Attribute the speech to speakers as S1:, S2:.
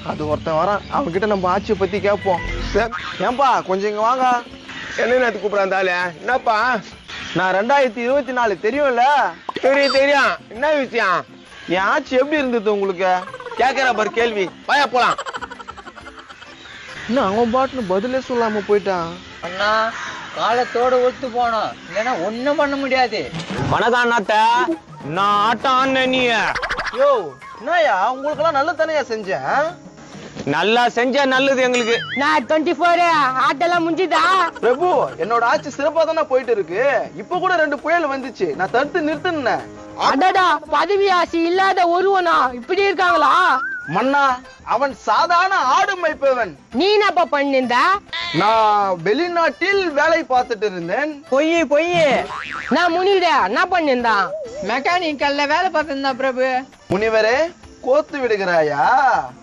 S1: அது ஒருத்தன் வரான், அவன்கிட்ட நம்ம ஆட்சியை பத்தி கேட்போம். ஏன்பா கொஞ்சம் இங்க வாங்க.
S2: என்ன நேரத்துக்கு கூப்பிடாந்தாலே? என்னப்பா?
S1: நான் 2024 தெரியும்ல?
S2: தெரியும். என்ன விஷயம்?
S1: என் ஆட்சி எப்படி இருந்தது உங்களுக்கு?
S2: கேக்குற பாரு கேள்வி. வாயா போலாம்.
S1: இன்னும் அவன் பாட்டுன்னு பதிலே சொல்லாம போயிட்டான்.
S3: அண்ணா காலத்தோட ஒத்து போனோம், இல்லைன்னா ஒண்ணும் பண்ண முடியாது.
S2: வணக்கம் அண்ணாத்த. நான் ஆட்டம் ஆன நீ
S1: யோ என்னயா உங்களுக்கெல்லாம் நல்ல தானையா செஞ்சேன்?
S2: நல்லா செஞ்சா நல்லது எங்களுக்கு.
S4: நான் 24 ஆட்டெல்லாம் முடிஞ்சுதா?
S1: பிரபு என்னோட ஆட்சி சிறப்பா தானே போயிட்டு இருக்கு. இப்ப கூட 2 புயல் வந்துச்சு, நான் தடுத்து நிறுத்தினேன்.
S4: அடடா, பதவி ஆசை இல்லாத ஒருவனா இப்படி இருக்காங்களா?
S1: மன்னா அவன் சாதாரண ஆடு மேய்ப்பவன்.
S4: நீ என்னப்பா பண்ணிருந்த?
S1: நான் வெளிநாட்டில் வேலை பார்த்துட்டு இருந்தேன்.
S3: பொய்
S4: நான் முனிட என்ன பண்ணிருந்தான்?
S3: மெக்கானிக்கல்ல வேலை பார்த்திருந்தா பிரபு.
S1: முனிவரே கோத்து விடுகிறாயா?